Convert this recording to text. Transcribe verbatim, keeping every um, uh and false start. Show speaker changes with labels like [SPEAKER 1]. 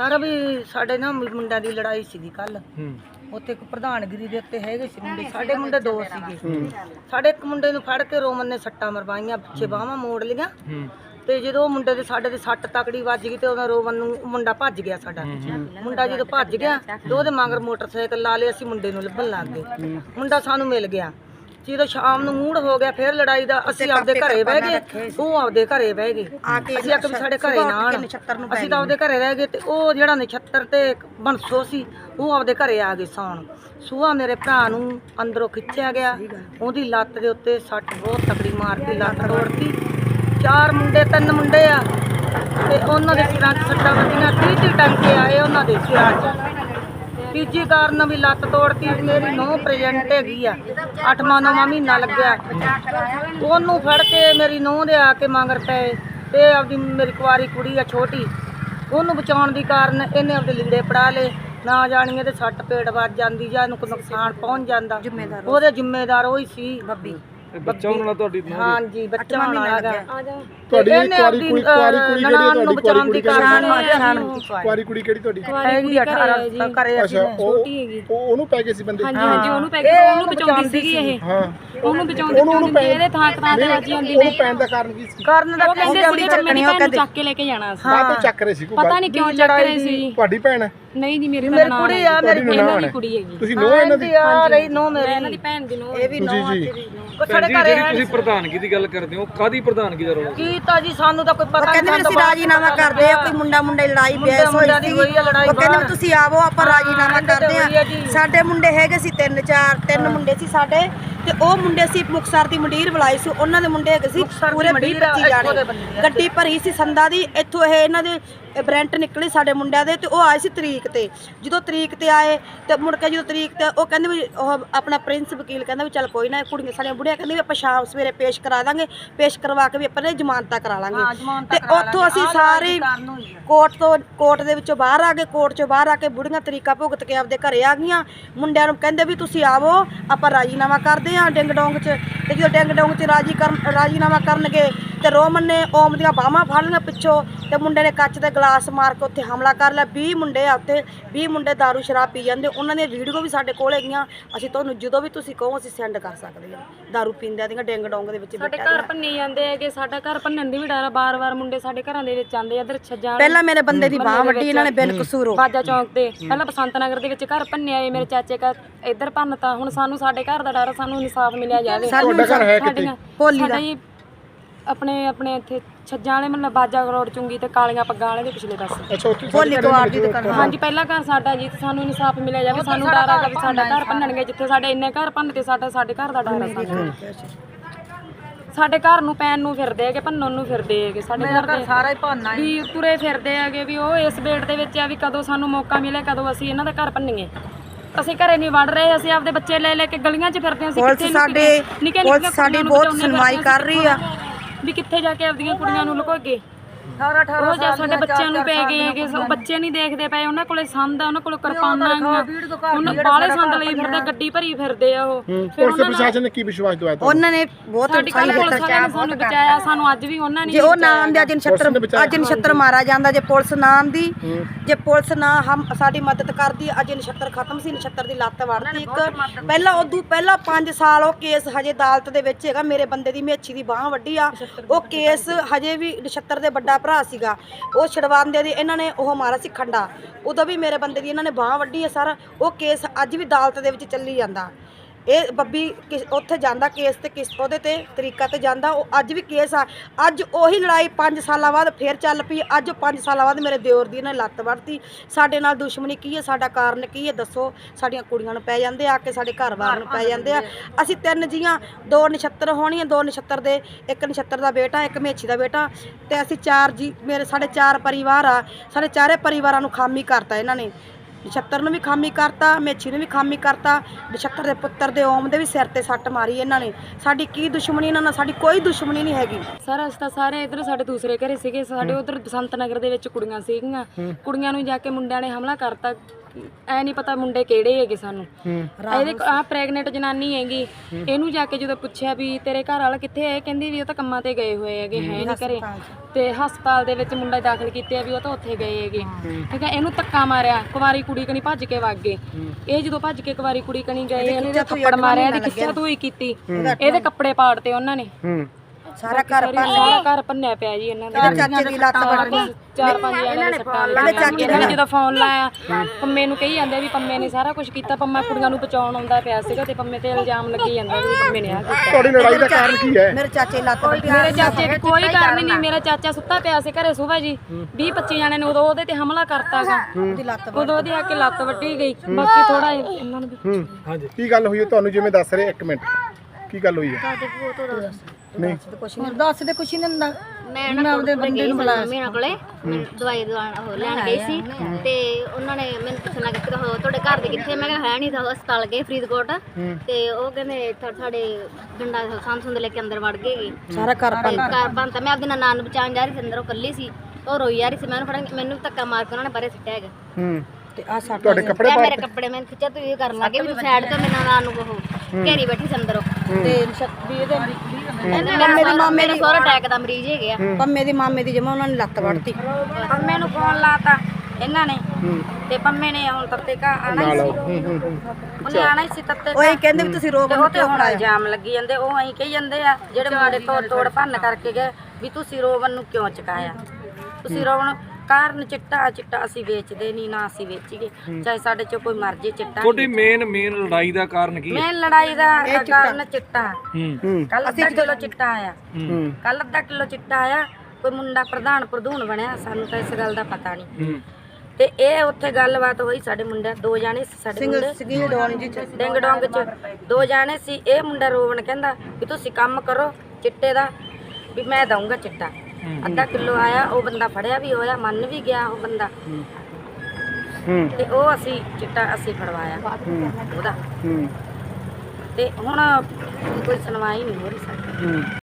[SPEAKER 1] ਸਾਰਾ ਵੀ ਸਾਡੇ ਨਾ ਮੁੰਡਿਆਂ ਦੀ ਲੜਾਈ ਸੀਗੀ ਕੱਲ ਉੱਥੇ ਇੱਕ ਪ੍ਰਧਾਨਗਿਰੀ ਦੇ ਉੱਤੇ ਹੈਗੇ ਸੀ ਮੁੰਡੇ ਸਾਡੇ ਮੁੰਡੇ ਦੋ ਸੀਗੇ ਸਾਡੇ ਇੱਕ ਮੁੰਡੇ ਨੂੰ ਫੜ ਕੇ ਰੋਮਨ ਨੇ ਸੱਟਾਂ ਮਰਵਾਈਆਂ ਪਿੱਛੇ ਬਾਹਾਂ ਮੋੜ ਲਈਆਂ ਤੇ ਜਦੋਂ ਮੁੰਡੇ ਦੇ ਸਾਡੇ ਦੇ ਸੱਟ ਤਕੜੀ ਵੱਜ ਗਈ ਤੇ ਉਹਨਾਂ ਰੋਮਨ ਨੂੰ ਮੁੰਡਾ ਭੱਜ ਗਿਆ ਸਾਡਾ ਮੁੰਡਾ ਜਦੋਂ ਭੱਜ ਗਿਆ ਤੇ ਉਹਦੇ ਮਗਰ ਮੋਟਰਸਾਈਕਲ ਲਾ ਲਏ ਅਸੀਂ ਮੁੰਡੇ ਨੂੰ ਲੱਭਣ ਲੱਗ ਗਏ ਮੁੰਡਾ ਸਾਨੂੰ ਮਿਲ ਗਿਆ ਜਦੋਂ ਸ਼ਾਮ ਨੂੰ ਮੂਡ ਹੋ ਗਿਆ ਫਿਰ ਲੜਾਈ ਦਾ ਅਸੀਂ ਆਪਦੇ ਘਰੇ ਬਹਿ ਗਏ ਉਹ ਆਪਦੇ ਘਰੇ ਬਹਿ ਗਏ ਅਸੀਂ ਇੱਕ ਵੀ ਸਾਡੇ ਘਰੇ ਨਾ ਆਣ ਅਸੀਂ ਤਾਂ ਆਪਦੇ ਘਰੇ ਰਹਿ ਗਏ ਤੇ ਉਹ ਜਿਹੜਾ ਨਛੱਤਰ ਤੇ ਬੰਸੋ ਸੀ ਉਹ ਆਪਦੇ ਘਰੇ ਆ ਗਏ ਸੌਣ ਸੁਆ ਮੇਰੇ ਭਰਾ ਨੂੰ ਅੰਦਰੋਂ ਖਿੱਚਿਆ ਗਿਆ ਉਹਦੀ ਲੱਤ ਦੇ ਉੱਤੇ ਸੱਟ ਬਹੁਤ ਤਕੜੀ ਮਾਰਤੀ ਲੱਤ ਤੋੜਤੀ ਚਾਰ ਮੁੰਡੇ ਤਿੰਨ ਮੁੰਡੇ ਆ ਤੇ ਉਹਨਾਂ ਦੇ ਸਿਰਾਂ 'ਚ ਸੱਟਾਂ ਵੱਜੀਆਂ ਤੀਹ ਤੀਹ ਟੰਕੇ ਆਏ ਉਹਨਾਂ ਦੇ ਸਿਰਾਂ 'ਚ ਤੀਜੀ ਕਾਰਨ ਵੀ ਲੱਤ ਤੋੜਤੀ ਮੇਰੀ ਨੂੰਹ ਪ੍ਰੈਜੈਂਟ ਹੈਗੀ ਆ ਅੱਠਵਾਂ ਨੌਵਾਂ ਮਹੀਨਾ ਲੱਗਿਆ ਉਹਨੂੰ ਫੜ ਕੇ ਮੇਰੀ ਨੂੰਹ ਦੇ ਆ ਕੇ ਮਗਰ ਪਏ ਤੇ ਆਪਦੀ ਮੇਰੀ ਕੁਆਰੀ ਕੁੜੀ ਆ ਛੋਟੀ ਉਹਨੂੰ ਬਚਾਉਣ ਦੀ ਕਾਰਨ ਇਹਨੇ ਆਪਦੇ ਲੀੜੇ ਪੜਾ ਲਏ ਨਾ ਜਾਣੀਏ ਤੇ ਸੱਟ ਪੇਟ ਵੱਜ ਜਾਂਦੀ ਜਾਂ ਇਹਨੂੰ ਕੋਈ ਨੁਕਸਾਨ ਪਹੁੰਚ ਜਾਂਦਾ ਉਹਦੇ ਜ਼ਿੰਮੇਦਾਰ ਉਹ ਹੀ ਸੀ ਬੱਬੀ
[SPEAKER 2] ਬੱਚਾ ਹੋਣ ਵਾਲਾ ਤੁਹਾਡੀ
[SPEAKER 1] ਹਾਂਜੀ ਬੱਚਾ ਹੋਣ ਵਾਲਾ
[SPEAKER 3] ਤੁਹਾਡੀ ਕੁਆਰੀ ਕੁੜੀ ਕੁਆਰੀ ਕੁੜੀ ਜਿਹੜੀ ਤੁਹਾਡੀ
[SPEAKER 1] ਬਚਾਉਣ ਦੀ ਕਾਰਨ
[SPEAKER 3] ਕੁਆਰੀ ਕੁੜੀ ਕਿਹੜੀ ਤੁਹਾਡੀ
[SPEAKER 1] ਹੈਗੀ ਅਠਾਰਾਂ ਘਰੇ
[SPEAKER 3] ਅੱਛਾ ਛੋਟੀ ਹੈਗੀ ਉਹਨੂੰ ਪੈ ਗਏ ਸੀ ਬੰਦੇ
[SPEAKER 4] ਹਾਂਜੀ ਹਾਂਜੀ ਉਹਨੂੰ ਪੈ ਗਏ ਉਹਨੂੰ ਬਚਾਉਂਦੀ ਸੀਗੀ ਇਹ ਹਾਂ ਉਹਨੂੰ ਬਚਾਉਂਦੀ ਸੀ ਇਹਦੇ ਥਾਂ ਥਾਂ ਤੇ ਵੱਜੀ ਹੁੰਦੀ
[SPEAKER 3] ਉਹਨੂੰ ਪੈਣ ਦਾ ਕਾਰਨ ਕੀ ਸੀ
[SPEAKER 1] ਕਾਰਨ ਦਾ
[SPEAKER 4] ਕਹਿੰਦੇ ਸੀ ਚੱਕਣੀ ਉਹ ਕਹਿੰਦੇ ਚੱਕ ਕੇ ਲੈ ਕੇ ਜਾਣਾ ਸੀ
[SPEAKER 3] ਬਾਅਦ ਤੋਂ ਚੱਕ ਰਹੇ ਸੀ ਕੋਈ
[SPEAKER 4] ਪਤਾ ਨਹੀਂ ਕਿਉਂ ਚੱਕ ਰਹੇ ਸੀ ਜੀ
[SPEAKER 3] ਤੁਹਾਡੀ ਭੈਣ ਹੈ
[SPEAKER 4] ਨਹੀਂ ਜੀ ਮੇਰੀ
[SPEAKER 1] ਮੇਰੀ ਕੁੜੀ ਆ ਮੇਰੀ
[SPEAKER 4] ਇਹਨਾਂ ਦੀ ਕੁੜੀ ਹੈਗੀ
[SPEAKER 3] ਤੁਸੀਂ ਨੋ ਇਹਨਾਂ ਦੀ
[SPEAKER 1] ਆ ਰਹੀ ਨੋ ਮੇਰੀ
[SPEAKER 4] ਇਹਨਾਂ ਦੀ ਭੈਣ ਦੀ ਨੋ
[SPEAKER 1] ਇਹ ਵੀ ਨੋ ਆ
[SPEAKER 3] ਜੀ
[SPEAKER 1] ਸਾਡੇ ਘਰੇ
[SPEAKER 2] ਤੁਸੀਂ ਪ੍ਰਧਾਨਗੀ ਦੀ ਗੱਲ ਕਰਦੇ ਹੋ ਕਾਦੀ ਪ੍ਰਧਾਨਗੀ ਦਾ ਰੋਲ
[SPEAKER 1] ਕੀ ਤਾਂ ਜੀ ਸਾਨੂੰ ਤਾਂ ਕੋਈ ਪਤਾ ਨਹੀਂ
[SPEAKER 5] ਕਹਿੰਦੇ ਅਸੀਂ ਰਾਜੀਨਾਮਾ ਕਰਦੇ ਆ ਕੋਈ ਮੁੰਡਾ ਮੁੰਡੇ ਲੜਾਈ ਬਹਿਸ ਹੋਈ ਸੀ ਉਹ ਕਹਿੰਦੇ ਤੁਸੀਂ ਆਵੋ ਆਪਾਂ ਰਾਜੀਨਾਮਾ ਕਰਦੇ ਆ ਸਾਡੇ ਮੁੰਡੇ ਹੈਗੇ ਸੀ ਤਿੰਨ ਚਾਰ ਤਿੰਨ ਮੁੰਡੇ ਸੀ ਸਾਡੇ ਤੇ ਉਹ ਮੁੰਡੇ ਸੀ ਮੁਕਤਸਰ ਦੀ ਮੰਡੀਰ ਬੁਲਾਈ ਸੀ ਉਹਨਾਂ ਦੇ ਮੁੰਡੇ ਹੈਗੇ ਸੀ ਪੂਰੇ ਵੀਹ ਪੱਚੀ ਜਾਣੇ ਗੱਡੀ ਭਰੀ ਸੀ ਸੰਦਾ ਦੀ ਇੱਥੋਂ ਇਹ ਇਹਨਾਂ ਦੇ ਬ੍ਰੈਂਟ ਨਿਕਲੇ ਸਾਡੇ ਮੁੰਡਿਆਂ ਦੇ ਤੇ ਉਹ ਆਏ ਸੀ ਤਰੀਕ ਤੇ ਜਦੋਂ ਤਰੀਕ ਤੇ ਆਏ ਤੇ ਮੁੜ ਕੇ ਜਦੋਂ ਤਰੀਕ ਤੇ ਉਹ ਕਹਿੰਦੇ ਵੀ ਉਹ ਆਪਣਾ ਪ੍ਰਿੰਸ ਵਕੀਲ ਕਹਿੰਦਾ ਵੀ ਚੱਲ ਕੋਈ ਨਾ ਕੁੜੀਆਂ ਸਾਡੀਆਂ ਬੁੜੀਆਂ ਕਹਿੰਦੇ ਵੀ ਆਪਾਂ ਸ਼ਾਮ ਸਵੇਰੇ ਪੇਸ਼ ਕਰਾ ਦਾਂਗੇ ਪੇਸ਼ ਕਰਵਾ ਕੇ ਵੀ ਆਪਾਂ ਨੇ ਜ਼ਮਾਨਤਾਂ ਕਰਾ ਲਾਂਗੇ ਤੇ ਉੱਥੋਂ ਅਸੀਂ ਸਾਰੇ ਕੋਰਟ ਤੋਂ ਕੋਰਟ ਦੇ ਵਿੱਚੋਂ ਬਾਹਰ ਆ ਗਏ ਕੋਰਟ ਚੋਂ ਬਾਹਰ ਆ ਕੇ ਬੁੜੀਆਂ ਤਰੀਕਾ ਭੁਗਤ ਕੇ ਆਪਦੇ ਘਰੇ ਆ ਗਈਆਂ ਮੁੰਡਿਆਂ ਨੂੰ ਕਹਿੰਦੇ ਵੀ ਤੁਸੀਂ ਆਵੋ ਆਪਾਂ ਰਾਜੀਨਾਮਾ ਕਰਦੇ ਆ ਡਿੰਗ ਡੋਂਗ 'ਚ ਤੇ ਜਦੋਂ ਡਿੰਗ ਡੋਂਗ 'ਚ ਰਾਜੀ ਕਰਨ ਰਾਜੀਨਾਮਾ ਕਰਨਗੇ ਤੇ ਰੋਮਨ ਨੇ ਓਮ ਦੀਆਂ ਬਾਹਾਂ ਫੜ ਲਈਆਂ ਪਿੱਛੋਂ ਤੇ ਮੁੰਡੇ ਨੇ ਕੱਚ ਦੇ ਗਲਾਸ ਮਾਰ ਕੇ ਉੱਥੇ ਹਮਲਾ ਕਰ ਲਿਆ ਵੀਹ ਮੁੰਡੇ ਆ ਉੱਥੇ ਵੀਹ ਮੁੰਡੇ ਦਾਰੂ ਸ਼ਰਾਬ ਪੀ ਜਾਂਦੇ ਉਹਨਾਂ ਦੀਆਂ ਵੀਡੀਓ ਵੀ ਸਾਡੇ ਕੋਲ ਹੈਗੀਆਂ ਅਸੀਂ ਤੁਹਾਨੂੰ ਜਦੋਂ ਵੀ ਤੁਸੀਂ ਕਹੋ ਅਸੀਂ ਸੈਂਡ ਕਰ ਸਕਦੇ ਹਾਂ ਦਾਰੂ ਪੀਂਦਿਆਂ ਦੀਆਂ ਡਿੰਗ ਡੋਂਗ ਦੇ ਵਿੱਚ
[SPEAKER 4] ਸਾਡੇ ਘਰ ਭੰਨੀ ਜਾਂਦੇ ਹੈਗੇ ਸਾਡਾ ਘਰ ਭੰਨਣ ਦੀ ਵੀ ਡਰ ਆ ਬਾਰ-ਬਾਰ ਮੁੰਡੇ ਸਾਡੇ ਘਰਾਂ ਦੇ ਵਿੱਚ ਆਉਂਦੇ ਇੱਧਰ ਛੱਜਾਂ
[SPEAKER 5] ਪਹਿਲਾਂ ਮੇਰੇ ਬੰਦੇ ਦੀ ਬਾਹ ਵੱਡੀ ਇਹਨਾਂ ਨੇ ਬਿਨ ਕਸੂਰੋਂ
[SPEAKER 4] ਬਾਜਾ ਚੌਂਕ ਤੇ ਪਹਿਲਾਂ ਬਸੰਤ ਨਗਰ ਦੇ ਵਿੱਚ ਘਰ ਭੰਨਿਆ ਏ ਮੇਰੇ ਚਾਚੇ ਦਾ ਇੱਧਰ ਭੰਨਤਾ ਹੁਣ ਸਾਨੂੰ ਸਾਡੇ ਘਰ ਦਾ ਡਰ ਸਾਨੂੰ ਇਨਸਾਫ ਮਿਲਿਆ ਜਾਵੇ ਸਾਡੀਆਂ ਭੋਲੀ ਦਾ ਆਪਣੇ ਆਪਣੇ ਇੱਥੇ ਛੱਜਾਂ ਵਾਲੇ ਮਤਲਬ ਬਾਜਾ ਰੋਡ ਚੁੰਗੀ ਤੇ ਕਾਲੀਆਂ ਪੱਗਾਂ ਵਾਲੇ ਦੇ ਪਿਛਲੇ ਪਾਸੇ
[SPEAKER 3] ਅੱਛਾ ਉੱਥੇ
[SPEAKER 5] ਭੋਲੀ ਗਵਾਰ ਦੀ ਦੁਕਾਨ
[SPEAKER 4] ਹਾਂਜੀ ਪਹਿਲਾ ਘਰ ਸਾਡਾ ਜੀ ਸਾਨੂੰ ਇਨਸਾਫ ਮਿਲਿਆ ਜਾਵੇ ਸਾਨੂੰ ਡਰ ਆਗਾ ਵੀ ਸਾਡਾ ਘਰ ਭੰਨਣਗੇ ਜਿੱਥੇ ਸਾਡੇ ਇੰਨੇ ਘਰ ਭੰਨ ਤੇ ਸਾਡਾ ਸਾਡੇ ਘਰ ਦਾ ਡਰ ਆ ਸਾਨੂੰ ਸਾਡੇ ਘਰ ਨੂੰ ਪੈਣ ਨੂੰ ਫਿਰਦੇ ਹੈਗੇ ਭੰਨਣ ਨੂੰ ਫਿਰਦੇ ਹੈਗੇ ਸਾਡੇ ਘਰ ਦੇ
[SPEAKER 1] ਸਾਰਾ ਹੀ ਭਾਨਾ
[SPEAKER 4] ਵੀ ਤੁਰੇ ਫਿਰਦੇ ਹੈਗੇ ਵੀ ਉਹ ਇਸ ਵੇਟ ਦੇ ਵਿੱਚ ਆ ਵੀ ਕਦੋਂ ਸਾਨੂੰ ਮੌਕਾ ਮਿਲੇ ਕਦੋਂ ਅਸੀਂ ਇਹਨਾਂ ਦਾ ਘਰ ਭੰਨੀਏ ਅਸੀਂ ਘਰੇ ਨਹੀਂ ਵੜ ਰਹੇ ਅਸੀਂ ਆਪਦੇ ਬੱਚੇ ਲੈ ਲੈ ਕੇ ਗਲੀਆਂ 'ਚ ਫਿਰਦੇ ਅਸੀਂ
[SPEAKER 5] ਪੁਲਿਸ ਸਾਡੇ ਪੁਲਿਸ ਸਾਡੀ ਬਹੁਤ ਸੁਣਵਾਈ ਕਰ ਰਹੀ ਆ
[SPEAKER 4] ਵੀ ਕਿੱਥੇ ਜਾ ਕੇ ਆਪਦੀਆਂ ਕੁੜੀਆਂ ਨੂੰ ਲੁਕੋਗੇ
[SPEAKER 1] ਅਠਾਰਾਂ ਅਠਾਰਾਂ
[SPEAKER 4] ਉਹ ਜਾਂ ਸਾਡੇ ਬੱਚਿਆਂ ਨੂੰ ਪੈ ਗਏ ਹੈਗੇ ਉਹ ਬੱਚੇ ਨਹੀਂ ਦੇਖਦੇ ਪਏ ਉਹਨਾਂ ਕੋਲੇ ਸੰਦ ਆ ਉਹਨਾਂ ਕੋਲੇ ਕਿਰਪਾਨਾਂ ਆ ਉਹਨਾਂ ਬਾਲੇ ਸੰਦ ਲਈ ਫਿਰਦੇ ਗੱਡੀ ਭਰੀ ਫਿਰਦੇ ਆ ਉਹ
[SPEAKER 3] ਪੁਲਿਸ ਪ੍ਰਸ਼ਾਸਨ ਨੇ ਕੀ ਵਿਸ਼ਵਾਸ ਦਿਵਾਇਆ
[SPEAKER 5] ਉਹਨਾਂ ਨੇ ਬਹੁਤ
[SPEAKER 4] ਸਾਡੀ ਕੱਲ ਪੁਲਿਸ ਵਾਲਿਆਂ ਨੇ ਸਾਨੂੰ ਬਚਾਇਆ ਸਾਨੂੰ ਅੱਜ ਵੀ ਉਹਨਾਂ ਨੇ
[SPEAKER 5] ਜੇ ਉਹ ਨਾ ਆਂਦੇ ਅੱਜ ਨਛੱਤਰ ਅੱਜ ਨਛੱਤਰ ਮਾਰਾ ਜਾਂਦਾ ਜੇ ਪੁਲਿਸ ਨਾ ਆਂਦੀ ਜੇ ਪੁਲਿਸ ਨਾ ਹਮ ਸਾਡੀ ਮਦਦ ਕਰਦੀ ਅੱਜ ਨਛੱਤਰ ਖਤਮ ਸੀ ਨਛੱਤਰ ਦੀ ਲੱਤ ਵੜਦੀ ਇੱਕ ਪਹਿਲਾਂ ਉਦੋਂ ਪਹਿਲਾਂ ਪੰਜ ਸਾਲ ਉਹ ਕੇਸ ਹਜੇ ਅਦਾਲਤ ਦੇ ਵਿੱਚ ਹੈਗਾ ਮੇਰੇ ਬੰਦੇ ਦੀ ਮੇਛੀ ਦੀ ਬਾਹ ਵੱਡੀ ਆ ਉਹ ਕੇਸ ਹਜੇ ਵੀ ਨਛੱਤਰ ਦੇ ਵੱਡਾ ਭਰਾ ਸੀਗਾ ਉਹ ਛਡਵਾਉਂਦੇ ਦੀ ਇਹਨਾਂ ਨੇ ਉਹ ਮਾਰਾ ਸੀ ਖੰਡਾ ਉਦੋਂ ਵੀ ਮੇਰੇ ਬੰਦੇ ਦੀ ਇਹਨਾਂ ਨੇ ਬਾਹ ਵੱਢੀ ਹੈ ਸਰ ਉਹ ਕੇਸ ਅੱਜ ਵੀ ਅਦਾਲਤ ਦੇ ਵਿੱਚ ਚੱਲੀ ਜਾਂਦਾ ਇਹ ਬੱਬੀ ਉੱਥੇ ਜਾਂਦਾ ਕੇਸ ਤੇ ਕਿਸ ਉਹਦੇ ਤੇ ਤਰੀਕਾ ਤੇ ਜਾਂਦਾ ਉਹ ਅੱਜ ਵੀ ਕੇਸ ਆ ਅੱਜ ਉਹੀ ਲੜਾਈ ਪੰਜ ਸਾਲਾਂ ਬਾਅਦ ਫੇਰ ਚੱਲ ਪਈ ਅੱਜ ਪੰਜ ਸਾਲਾਂ ਬਾਅਦ ਮੇਰੇ ਦਿਓਰ ਦੀ ਇਹਨੇ ਲੱਤ ਵੜਤੀ ਸਾਡੇ ਨਾਲ ਦੁਸ਼ਮਣੀ ਕੀ ਹੈ ਸਾਡਾ ਕਾਰਨ ਕੀ ਹੈ ਦੱਸੋ ਸਾਡੀਆਂ ਕੁੜੀਆਂ ਨੂੰ ਪੈ ਜਾਂਦੇ ਆ ਕੇ ਸਾਡੇ ਘਰ-ਬਾਰ ਨੂੰ ਪੈ ਜਾਂਦੇ ਆ ਅਸੀਂ ਤਿੰਨ ਜੀਆਂ ਦੋ ਨਛੱਤਰ ਹੋਣੀਆਂ ਦੋ ਨਛੱਤਰ ਦੇ ਇੱਕ ਨਛੱਤਰ ਦਾ ਬੇਟਾ ਇੱਕ ਮੇਛੀ ਦਾ ਬੇਟਾ ਤੇ ਅਸੀਂ ਚਾਰ ਜੀ ਮੇਰੇ ਸਾਡੇ ਚਾਰ ਪਰਿਵਾਰ ਆ ਸਾਡੇ ਚਾਰੇ ਪਰਿਵਾਰਾਂ ਨੂੰ ਖਾਮੀ ਕਰਤਾ ਇਹਨਾਂ ਨੇ ਨਛੱਤਰ ਨੂੰ ਵੀ ਖਾਮੀ ਕਰਤਾ ਮੇਛੀ ਨੂੰ ਵੀ ਖਾਮੀ ਕਰਤਾ ਨਛੱਤਰ ਦੇ ਪੁੱਤਰ ਦੇ ਓਮ ਦੇ ਵੀ ਸਿਰ ਤੇ ਸੱਟ ਮਾਰੀ ਇਹਨਾਂ ਨੇ ਸਾਡੀ ਕੀ ਦੁਸ਼ਮਣੀ ਇਹਨਾਂ ਨਾਲ ਸਾਡੀ ਕੋਈ ਦੁਸ਼ਮਣੀ ਨਹੀਂ ਹੈਗੀ
[SPEAKER 4] ਸਰ ਅਸੀਂ ਤਾਂ ਸਾਰੇ ਇੱਧਰ ਸਾਡੇ ਦੂਸਰੇ ਘਰੇ ਸੀਗੇ ਸਾਡੇ ਉਧਰ ਬਸੰਤ ਨਗਰ ਦੇ ਵਿੱਚ ਕੁੜੀਆਂ ਸੀਗੀਆਂ ਕੁੜੀਆਂ ਨੂੰ ਜਾ ਕੇ ਮੁੰਡਿਆਂ ਨੇ ਹਮਲਾ ਕਰਤਾ ਐ ਨਹੀਂ ਪਤਾ ਮੁੰਡੇ ਕਿਹੜੇ ਹੈਗੇ ਸਾਨੂੰ ਇਹਦੇ ਆਹ ਪ੍ਰੈਗਨੈਂਟ ਜਨਾਨੀ ਹੈਗੀ ਇਹਨੂੰ ਜਾ ਕੇ ਜਦੋਂ ਪੁੱਛਿਆ ਵੀ ਤੇਰੇ ਘਰ ਵਾਲਾ ਕਿੱਥੇ ਹੈ ਕਹਿੰਦੀ ਵੀ ਉਹ ਤਾਂ ਕੰਮਾਂ ਤੇ ਗਏ ਹੋਏ ਹੈਗੇ ਹੈ ਨਹੀਂ ਘਰੇ ਤੇ ਹਸਪਤਾਲ ਦੇ ਵਿੱਚ ਮੁੰਡਾ ਦਾਖਲ ਕੀਤੇ ਆ ਵੀ ਉਹ ਤਾਂ ਉੱਥੇ ਗਏ ਹੈਗੇ ਠੀਕ ਹੈ। ਇਹਨੂੰ ਧੱਕਾ ਮਾਰਿਆ, ਕੁਵਾਰੀ ਕੁੜੀ ਕਣੀ ਭੱਜ ਕੇ ਵਗ ਗਏ। ਇਹ ਜਦੋਂ ਭੱਜ ਕੇ ਕੁਵਾਰੀ ਕੁੜੀ ਕਣੀ ਗਏ ਇਹਨੇ ਥੱਪੜ ਮਾਰਿਆ, ਇਹਦੀ ਖਿੱਚਾ ਧੂਈ ਕੀਤੀ, ਇਹਦੇ ਕੱਪੜੇ ਪਾੜਤੇ ਉਹਨਾਂ ਨੇ।
[SPEAKER 5] ਸਾਰਾ ਘਰ
[SPEAKER 4] ਸਾਰਾ ਘਰ ਭੰਨਿਆ ਪਿਆ ਜੀ ਇਹਨਾਂ ਦਾ।
[SPEAKER 5] ਚਾਚੇ ਦੀ ਲੱਤ ਵੜ ਗਈ।
[SPEAKER 4] ਚਾਰ ਪੰਜ ਜਣਿਆਂ ਨੇ ਸੱਟਾਂ ਲੱਗੀਆਂ। ਇਹਨਾਂ ਨੇ ਜਦੋਂ ਫੋਨ ਲਾਇਆ ਪੰਮੇ ਨੂੰ ਕਹੀ ਜਾਂਦੇ ਵੀ ਪੰਮੇ ਨੇ ਸਾਰਾ ਕੁਝ ਕੀਤਾ, ਪੰਮਾ ਕੁੜੀਆਂ ਨੂੰ ਬਚਾਉਣ ਆਉਂਦਾ ਪਿਆ ਸੀਗਾ ਤੇ ਪੰਮੇ ਤੇ ਇਲਜ਼ਾਮ ਲੱਗੀ ਜਾਂਦਾ ਵੀ ਪੰਮੇ ਨੇ ਆ ਕੀਤਾ।
[SPEAKER 3] ਤੁਹਾਡੀ ਲੜਾਈ ਦਾ ਕਾਰਨ ਕੀ ਹੈ?
[SPEAKER 5] ਮੇਰੇ ਚਾਚੇ ਦੀ ਲੱਤ ਵੱਢੀ।
[SPEAKER 4] ਮੇਰੇ ਚਾਚੇ ਦੀ ਕੋਈ ਕਾਰਨ ਨਹੀਂ। ਮੇਰਾ ਚਾਚਾ ਸੁੱਤਾ ਪਿਆ ਸੀ ਘਰੇ ਸੁਬਾਹ ਜੀ, ਵੀਹ ਪੱਚੀ ਜਣਿਆਂ ਨੇ ਉਦੋਂ ਉਹਦੇ ਤੇ ਹਮਲਾ ਕਰਤਾਗਾ,
[SPEAKER 5] ਉਹਦੀ ਲੱਤ
[SPEAKER 4] ਉਦੋਂ ਉਹਦੀ ਆ ਕੇ ਲੱਤ ਵੱਢੀ ਗਈ। ਬਾਕੀ ਥੋੜਾ ਇਹਨਾਂ ਨੂੰ ਵੀ
[SPEAKER 3] ਹੂੰ ਹਾਂਜੀ ਕੀ ਗੱਲ ਹੋਈ ਹੈ ਤੁਹਾਨੂੰ ਜਿਵੇਂ ਦੱਸ ਰਹੇ? ਇੱਕ ਮਿੰਟ ਕੀ ਗੱਲ ਹੋਈ ਹੈ? ਨਹੀਂ
[SPEAKER 1] ਕੁਛ ਨਹੀਂ ਦੱਸਦੇ, ਕੁਛ ਨਹੀਂ ਹੁੰਦਾ।
[SPEAKER 6] ਮੈਂ ਨਾ
[SPEAKER 1] ਆਪਦੇ ਬੰਦੇ ਨੂੰ ਬੁਲਾਇਆ
[SPEAKER 6] ਮੇਰੇ ਕੋਲੇ ਮੈਂ ਦਵਾਈ ਦਵਾਣ ਉਹ ਲੈਣ ਗਈ ਸੀ ਤੇ ਉਹਨਾਂ ਨੇ ਮੈਨੂੰ ਪੁੱਛਣ ਲੱਗੇ ਕਿ ਉਹ ਤੁਹਾਡੇ ਘਰ ਦੇ ਕਿੱਥੇ? ਮੈਂ ਕਿਹਾ ਹੈ ਨਹੀਂ, ਤਾਂ ਹਸਪਤਾਲ ਗਏ ਫਰੀਦਕੋਟ। ਤੇ ਉਹ ਕਹਿੰਦੇ ਇੱਥੇ ਸਾਡੇ ਡੰਡਾ ਸਾਮਸੁੰਦ ਲੈ ਕੇ ਅੰਦਰ ਵੜ ਗਏ।
[SPEAKER 5] ਸਾਰਾ ਘਰ
[SPEAKER 6] ਤੇ ਘਰ ਬੰਦ। ਮੈਂ ਆਪਦੇ ਨਾਨ ਨੂੰ ਬਚਾਉਣ ਜਾ ਰਹੀ ਸੀ, ਅੰਦਰ ਉਹ ਇਕੱਲੀ ਸੀ, ਉਹ ਰੋਈ ਜਾ ਰਹੀ ਸੀ। ਮੈਨੂੰ ਫੜਾ ਮੈਨੂੰ ਵੀ ਧੱਕਾ ਮਾਰ ਕੇ ਉਹਨਾਂ ਨੇ ਬਾਰੇ ਸਿੱਟਿਆ ਹੈਗਾ।
[SPEAKER 3] ਹੂੰ
[SPEAKER 5] ਤੇ ਆ ਸੱਟ
[SPEAKER 3] ਤੁਹਾਡੇ ਕੱਪੜੇ
[SPEAKER 6] ਤੇ ਮੇਰੇ ਕੱਪੜੇ ਮੈਂ ਖਿੱਚਿਆ ਤੂੰ ਇਹ ਕਰਨ ਲੱਗੇ ਵੀ ਸਾਈਡ ਤੋਂ ਮੇਰੇ ਨਾਨ ਨੂੰ ਉਹ ਘੇਰੀ ਬੈਠੀ ਸੀ ਅੰਦਰ। ਉਹ
[SPEAKER 5] ਤੇ
[SPEAKER 1] ਵੀ ਇਹਦੇ
[SPEAKER 6] ਮੇਰੇ ਦੀ ਮਾਮੇ ਦੇ ਸਹੁਰਾ ਅਟੈਕ ਦਾ ਮਰੀਜ਼ ਹੈਗੇ ਆ।
[SPEAKER 5] ਪੰਮੇ ਦੀ ਮਾਮੇ ਦੀ ਜਮਾ ਉਹਨਾਂ ਨੇ ਲੱਤ ਵੜਤੀ।
[SPEAKER 7] ਪੰਮੇ ਨੂੰ ਫੋਨ ਲਾਤਾ ਇਹਨਾਂ ਨੇ ਤੇ ਪੰਮੇ ਨੇ ਹੁਣ ਤੱਤੇ ਕਾ ਆਣਾ ਹੀ ਸੀ, ਉਹਨੇ ਆਣਾ ਹੀ ਸੀ ਤੱਤੇ
[SPEAKER 5] ਉਹ ਇਹ ਕਹਿੰਦੇ ਵੀ ਤੁਸੀਂ ਰੋਕ
[SPEAKER 7] ਤੇ
[SPEAKER 5] ਨੂੰ
[SPEAKER 7] ਉਹ ਤੇ
[SPEAKER 5] ਕਿਉਂ
[SPEAKER 7] ਹੁਣ
[SPEAKER 5] ਫੜਾਇਆ?
[SPEAKER 7] ਇਲਜ਼ਾਮ ਲੱਗੀ ਜਾਂਦੇ। ਉਹ ਐਂ ਕਹੀ ਜਾਂਦੇ ਆ ਜਿਹੜੇ ਮੁੰਡੇ ਤੋੜ ਤੋੜ ਭੰਨ ਕਰਕੇ ਗਏ ਵੀ ਤੁਸੀਂ ਰੋਵਨ ਨੂੰ ਕਿਉਂ ਚਕਾਇਆ? ਤੁਸੀਂ ਰੋਵਣ ਕਾਰਨ ਚਿੱਟਾ ਚਿੱਟਾ ਅਸੀਂ ਵੇਚਦੇ ਨਹੀਂ, ਨਾ ਅਸੀਂ ਵੇਚੀਏ, ਚਾਹੇ ਸਾਡੇ ਚੋਂ ਕੋਈ ਮਰ ਜੇ ਚਿੱਟਾ।
[SPEAKER 2] ਤੁਹਾਡੀ ਮੇਨ ਮੇਨ ਲੜਾਈ ਦਾ ਕਾਰਨ ਕੀ ਹੈ?
[SPEAKER 7] ਮੈਂ ਲੜਾਈ ਦਾ ਕਾਰਨ ਚਿੱਟਾ।
[SPEAKER 2] ਹੂੰ
[SPEAKER 7] ਕੱਲ ਅੱਧਾ ਕਿਲੋ ਚਿੱਟਾ ਆਇਆ, ਕੱਲ ਅੱਧਾ ਕਿਲੋ ਚਿੱਟਾ ਆਇਆ। ਕੋਈ ਮੁੰਡਾ ਪ੍ਰਧਾਨ ਪ੍ਰਧੂਨ ਬਣਿਆ, ਸਾਨੂੰ ਤਾਂ ਇਸ ਗੱਲ ਦਾ ਪਤਾ ਨਹੀਂ। ਤੇ ਇਹ ਉੱਥੇ ਗੱਲਬਾਤ ਹੋਈ ਸਾਡੇ ਮੁੰਡੇ ਦੋ ਜਾਣੇ ਸੀ, ਸਾਡੇ ਮੁੰਡੇ
[SPEAKER 5] ਸਿਗੀ ਡੋਨ ਜੀ
[SPEAKER 7] ਡਿੰਗ ਡੋਂਗ ਚ ਦੋ ਜਾਣੇ ਸੀ। ਇਹ ਮੁੰਡਾ ਰੋਵਣ ਕਹਿੰਦਾ ਵੀ ਤੁਸੀਂ ਕੰਮ ਕਰੋ ਚਿੱਟੇ ਦਾ, ਵੀ ਮੈਂ ਦਊਂਗਾ ਚਿੱਟਾ। ਅੱਧਾ ਕਿਲੋ ਆਇਆ, ਉਹ ਬੰਦਾ ਫੜਿਆ ਵੀ ਹੋਇਆ, ਮੰਨ ਵੀ ਗਿਆ ਉਹ ਬੰਦਾ। ਤੇ ਉਹ ਅਸੀਂ ਚਿੱਟਾ ਅਸੀਂ ਫੜਵਾਇਆ ਉਹਦਾ। ਤੇ ਹੁਣ ਕੋਈ ਸੁਣਵਾਈ ਨਹੀਂ ਹੋ ਰਹੀ ਸਾਡੀ।